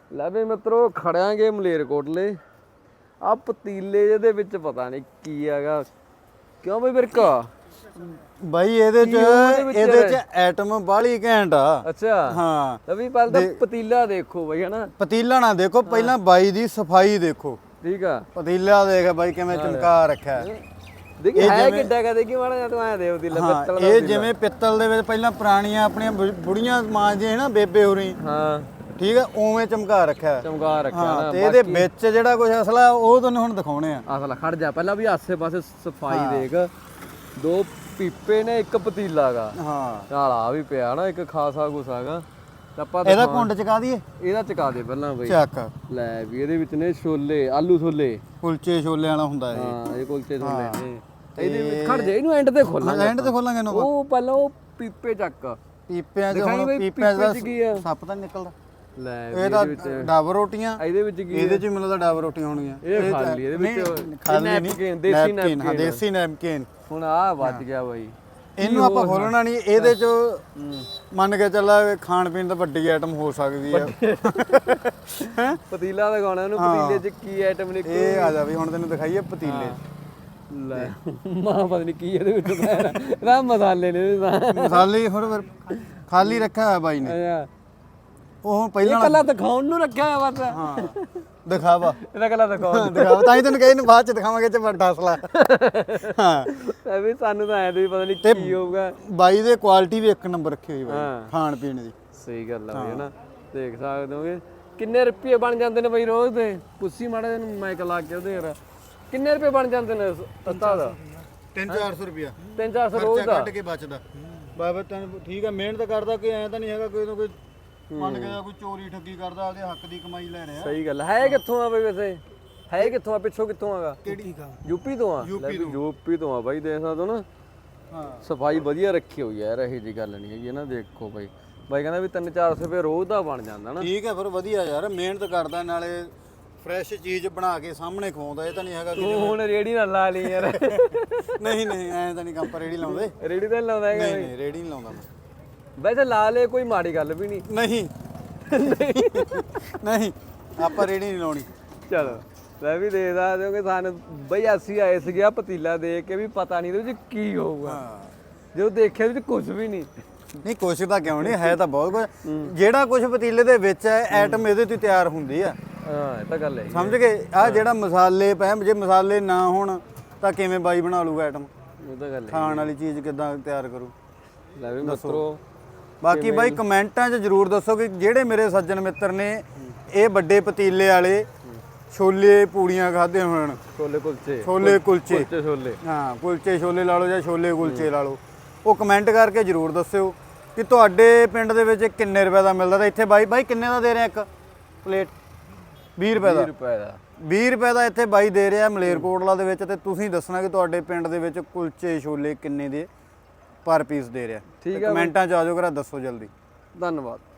ਲੈ ਵੀ ਮਿੱਤਰੋ ਖੜਿਆਂਗੇ ਮਲੇਰਕੋਟਲੇ। ਆ ਪਤੀਲੇ ਜਿਹਦੇ ਵਿੱਚ ਪਤਾ ਨਹੀਂ ਕੀ ਹੈਗਾ, ਕਿਉਂ ਬਈ ਬਿਰਕਾ? ਬਾਈ ਇਹਦੇ ਚ ਐਟਮ ਬਾਹਲੀ ਘੈਂਟ ਆ। ਅੱਛਾ ਹਾਂ ਲੈ ਵੀ ਪਹਿਲਾਂ ਤਾਂ ਪਤੀਲਾ ਦੇਖੋ ਬਈ ਹਨਾ। ਪਤੀਲਾ ਨਾ ਦੇਖੋ, ਪਹਿਲਾਂ ਬਾਈ ਦੀ ਸਫਾਈ ਦੇਖੋ। ਠੀਕ ਆ, ਪਤੀਲਾ ਦੇਖ ਬਾਈ ਕਿਵੇਂ ਚਮਕਾ ਰੱਖਿਆ। ਦੇਖੀ ਹੈ ਕਿੱਡਾ ਕਾ, ਦੇਖੀ ਮਾੜਾ ਜਿਹਾ ਤੂੰ ਐ ਦੇ ਪਤੀਲਾ ਪਿੱਤਲ ਦਾ। ਇਹ ਜਿਵੇਂ ਪਿੱਤਲ ਦੇ ਵਿੱਚ ਪਹਿਲਾਂ ਪੁਰਾਣੀਆਂ ਆਪਣੀਆਂ ਬੁੜੀਆਂ ਮਾਂਜਦੇ ਨਾ ਬੇਬੇ ਹੋਰੀ, ਹਾਂ ਠੀਕ ਆ, ਉਵੇਂ ਚਮਕਾ ਰੱਖਿਆ। ਚਮਕਾ ਰੱਖਿਆ ਨਾ। ਤੇ ਇਹਦੇ ਵਿੱਚ ਜਿਹੜਾ ਕੁਝ ਅਸਲਾ ਉਹ ਤੁਹਾਨੂੰ ਹੁਣ ਦਿਖਾਉਣੇ ਆ। ਅਸਲ ਖੜ ਜਾ ਪਹਿਲਾਂ ਵੀ ਆਸੇ ਪਾਸੇ ਸਫਾਈ ਦੇਖ। 2 ਪੀਪੇ ਨੇ, 1 ਪਤੀਲਾ ਗਾ। ਹਾਂ ਨਾਲ ਆ ਵੀ ਪਿਆ ਨਾ ਇੱਕ ਖਾਸਾ ਗੁਸਾਗਾ। ਆਪਾਂ ਇਹਦਾ ਕੁੰਡ ਚਕਾ ਦਈਏ। ਇਹਦਾ ਚਕਾ ਦੇ ਪਹਿਲਾਂ ਬਈ। ਚੱਕ ਲੈ ਵੀ ਇਹਦੇ ਵਿੱਚ ਨੇ ਛੋਲੇ, ਆਲੂ ਛੋਲੇ, ਕੁਲਚੇ ਛੋਲੇ ਵਾਲਾ ਹੁੰਦਾ ਇਹ। ਹਾਂ ਇਹ ਕੁਲਚੇ ਛੋਲੇ ਨੇ। ਇਹਦੇ ਵਿੱਚ ਖੜ ਜਾ, ਇਹਨੂੰ ਐਂਡ ਤੇ ਖੋਲਾਂਗੇ। ਐਂਡ ਤੇ ਖੋਲਾਂਗੇ ਇਹਨੂੰ। ਉਹ ਪਹਿਲਾਂ ਉਹ ਪੀਪੇ ਚੱਕ। ਪੀਪਿਆਂ ਚ ਦਿਖਾਈ ਹੁਣ ਬਈ ਪੀਪਿਆਂ ਦਾ ਕੀ ਆ? ਸੱਪ ਤਾਂ ਨੀ ਨਿਕਲਦਾ। ਲੈ ਇਹ ਤਾਂ ਡਬ ਰੋਟੀਆਂ। ਇਹਦੇ ਵਿੱਚ ਕੀ? ਇਹਦੇ ਚ ਮੈਨੂੰ ਤਾਂ ਡਬ ਰੋਟੀਆਂ ਹੋਣਗੀਆਂ। ਇਹ ਖਾਲੀ ਇਹਦੇ ਵਿੱਚ ਖਾਲੀ ਨੈਪਕਿਨ, ਦੇਸੀ ਨੈਪਕਿਨ। ਦੇਸੀ ਨੈਪਕਿਨ। ਹੁਣ ਆ ਵੱਜ ਗਿਆ ਬਾਈ। ਇਹਨੂੰ ਆਪਾਂ ਖੋਲਣਾ ਨਹੀਂ। ਇਹਦੇ ਚ ਮੰਨ ਕੇ ਚੱਲਾ ਖਾਣ ਪੀਣ ਦਾ ਵੱਡੀ ਆਈਟਮ ਹੋ ਸਕਦੀ ਆ। ਪਤੀਲਾ ਦਿਖਾਉਣਾ ਇਹਨੂੰ। ਪਤੀਲੇ 'ਚ ਕੀ ਆਈਟਮ ਨਿਕਲੂ? ਇਹ ਆ ਜਾ ਵੀ ਹੁਣ ਤੈਨੂੰ ਦਿਖਾਈਏ ਪਤੀਲੇ। ਲੈ ਮਾਂ ਪਤਾ ਨਹੀਂ ਕੀ ਇਹਦੇ ਵਿੱਚ ਇਹਦਾ ਮਸਾਲੇ ਨੇ। ਮਸਾਲੇ ਹੋਰ ਖਾਲੀ ਰੱਖਿਆ ਹੋਇਆ ਬਾਈ ਨੇ। ਅੱਛਾ ਉਹ ਪਹਿਲਾਂ ਕੱਲਾ ਦਿਖਾਉਣ ਨੂੰ ਰੱਖਿਆ ਹੋਇਆ ਬਸ। ਹਾਂ ਦਿਖਾਵਾ। ਇਹਦਾ ਕੱਲਾ ਦਿਖਾਉਣ। ਦਿਖਾਵਾ ਤਾਂ ਹੀ ਤੈਨੂੰ ਕਹੀ ਨੂੰ ਬਾਅਦ ਚ ਦਿਖਾਵਾਂਗੇ ਚ ਵੱਡਾ ਅਸਲਾ। ਹਾਂ ਇਹ ਵੀ ਸਾਨੂੰ ਤਾਂ ਐਂ ਤੇ ਵੀ ਪਤਾ ਨਹੀਂ ਕੀ ਹੋਊਗਾ। ਬਾਈ ਦੇ ਕੁਆਲਿਟੀ ਵੀ 1 ਨੰਬਰ ਰੱਖੀ ਹੋਈ ਬਾਈ ਹਾਂ। ਖਾਣ ਪੀਣ ਦੀ। ਸਹੀ ਗੱਲ ਆ ਬਈ ਹਨਾ। ਦੇਖ ਸਕਦੇ ਹੋਗੇ ਕਿੰਨੇ ਰੁਪਏ ਬਣ ਜਾਂਦੇ ਨੇ ਬਈ ਰੋਜ਼ ਦੇ। ਪੁੱਛੀ ਮਾੜਾ ਜਿਹਾ ਮਾਈਕ ਲਾ ਕੇ ਉਹਦੇ ਯਾਰ ਕਿੰਨੇ ਰੁਪਏ ਬਣ ਜਾਂਦੇ ਨੇ ਤੱਤਾ ਦਾ? 300-400 ਰੁਪਿਆ 300-400 ਰੋਜ਼ ਦਾ ਕੱਢ ਕੇ ਬਚਦਾ। ਬਾਬਾ ਤੈਨੂੰ ਠੀਕ ਆ, ਮਿਹਨਤ ਕਰਦਾ ਕਿ ਐ ਤਾਂ ਨਹੀਂ ਹੈਗਾ ਕੋਈ ਨਾ ਕੋਈ ਮੰਨ ਕੇ ਕੋਈ ਚੋਰੀ ਠੱਗੀ ਕਰਦਾ, ਆਪਦੇ ਹੱਕ ਦੀ ਕਮਾਈ ਲੈ ਰਿਹਾ। ਸਹੀ ਗੱਲ ਹੈ। ਕਿੱਥੋਂ ਆ ਬਈ ਵੈਸੇ? ਹੈ ਕਿੱਥੋਂ ਆ? ਪਿੱਛੋਂ ਕਿੱਥੋਂ ਆਗਾ? ਕਿਹੜੀ ਯੂਪੀ ਤੋਂ ਆ। ਯੂਪੀ ਤੋਂ ਆ ਬਾਈ। ਦੇਖ ਸਕਦੇ ਹੋ ਨਾ। ਹਾਂ ਸਫਾਈ ਵਧੀਆ ਰੱਖੀ ਹੋਈ ਹੈ ਯਾਰ। ਇਹੋ ਜਿਹੀ ਗੱਲ ਨਹੀਂ ਹੈਗੀ ਨਾ। ਦੇਖੋ ਬਾਈ, ਬਾਈ ਕਹਿੰਦਾ ਵੀ 300-400 ਰੁਪਏ ਰੋਜ਼ ਦਾ ਬਣ ਜਾਂਦਾ ਨਾ। ਠੀਕ ਹੈ ਫਿਰ ਵਧੀਆ ਯਾਰ। ਮਿਹਨਤ ਕਰਦਾ, ਨਾਲੇ ਫਰੈਸ਼ ਚੀਜ਼ ਬਣਾ ਕੇ ਸਾਹਮਣੇ ਖਵਾਉਂਦਾ। ਇਹ ਤਾਂ ਨਹੀਂ ਹੈਗਾ ਤੂੰ ਹੁਣ ਰੇੜੀ ਨਾ ਲਾ ਲਈ ਯਾਰ। ਨਹੀਂ ਐਂ ਤਾਂ ਨਹੀਂ ਕੰਮ ਪਰ ਰੇੜੀ ਲਾਉਂਦੇ। ਰੇੜੀ ਤਾਂ ਨੀ ਲਾਉਂਦਾ ਹੈਗਾ। ਨਹੀਂ ਰੇੜੀ ਨਹੀਂ ਲਾਉਂਦਾ ਮੈਂ। ਵੈਸੇ ਲਾ ਲੇ, ਕੋਈ ਮਾੜੀ ਗੱਲ ਵੀ ਨਹੀਂ। ਨਹੀਂ ਆਪਾਂ ਰੇੜੀ ਨਹੀਂ ਲਾਉਣੀ। ਚਲੋ ਮੈਂ ਵੀ ਦੇ ਸਕਦੇ ਹੋ ਕਿ ਸਾਨੂੰ ਬਈ ਅਸੀਂ ਆਏ ਸੀਗੇ ਆ ਪਤੀਲਾ ਦੇਖ ਕੇ ਵੀ ਪਤਾ ਨਹੀਂ ਇਹਦੇ ਵਿੱਚ ਕੀ ਹੋਊਗਾ। ਜਦੋਂ ਦੇਖਿਆ ਇਹਦੇ ਵਿੱਚ ਕੁਝ ਵੀ ਨਹੀਂ। ਨਹੀਂ ਕੁਛ ਤਾਂ ਕਿਉਂ ਨਹੀਂ, ਹੈ ਤਾਂ ਬਹੁਤ ਕੁਝ। ਜਿਹੜਾ ਕੁਝ ਪਤੀਲੇ ਦੇ ਵਿੱਚ ਹੈ ਐਟਮ ਇਹਦੇ ਤੋਂ ਤਿਆਰ ਹੁੰਦੀ ਆ। ਹਾਂ ਇਹ ਤਾਂ ਗੱਲ ਹੈ। ਸਮਝ ਗਏ? ਆ ਜਿਹੜਾ ਮਸਾਲੇ ਪੈ, ਜੇ ਮਸਾਲੇ ਨਾ ਹੋਣ ਤਾਂ ਕਿਵੇਂ ਬਾਈ ਬਣਾ ਲੂਗਾ ਐਟਮ? ਉਹ ਤਾਂ ਗੱਲ ਹੈ। ਖਾਣ ਵਾਲੀ ਚੀਜ਼ ਕਿੱਦਾਂ ਤਿਆਰ ਕਰੂ? ਲੈ ਵੀ ਮਿੱਤਰੋ ਬਾਕੀ ਬਾਈ ਕਮੈਂਟਾਂ 'ਚ ਜ਼ਰੂਰ ਦੱਸੋ ਕਿ ਜਿਹੜੇ ਮੇਰੇ ਸੱਜਣ ਮਿੱਤਰ ਨੇ ਇਹ ਵੱਡੇ ਪਤੀਲੇ ਵਾਲੇ ਛੋਲੇ ਪੂੜੀਆਂ ਖਾਦੇ ਹੋਣ। ਛੋਲੇ ਕੁਲਚੇ। ਛੋਲੇ ਕੁਲਚੇ। ਛੋਲੇ ਹਾਂ ਕੁਲਚੇ ਛੋਲੇ ਲਾ ਲਓ ਜਾਂ ਛੋਲੇ ਕੁਲਚੇ ਲਾ ਲਓ। ਉਹ ਕਮੈਂਟ ਕਰਕੇ ਜ਼ਰੂਰ ਦੱਸਿਓ ਕਿ ਤੁਹਾਡੇ ਪਿੰਡ ਦੇ ਵਿੱਚ ਕਿੰਨੇ ਰੁਪਏ ਦਾ ਮਿਲਦਾ। ਤਾਂ ਇੱਥੇ ਬਾਈ ਕਿੰਨੇ ਦਾ ਦੇ ਰਿਹਾ ਇੱਕ ਪਲੇਟ? 20 ਰੁਪਏ ਦਾ। 20 ਰੁਪਏ ਦਾ। 20 ਰੁਪਏ ਦਾ ਇੱਥੇ ਬਾਈ ਦੇ ਰਿਹਾ ਮਲੇਰਕੋਟਲਾ ਦੇ ਵਿੱਚ। ਤੇ ਤੁਸੀਂ ਦੱਸਣਾ ਕਿ ਤੁਹਾਡੇ ਪਿੰਡ ਦੇ ਵਿੱਚ ਕੁਲਚੇ ਛੋਲੇ ਕਿੰਨੇ ਦੇ ਪਰ ਪੀਸ ਦੇ ਰਿਹਾ। ਠੀਕ ਹੈ ਕਮੈਂਟਾਂ 'ਚ ਆ ਜਾਓ, ਕਰਾ ਦੱਸੋ ਜਲਦੀ। ਧੰਨਵਾਦ।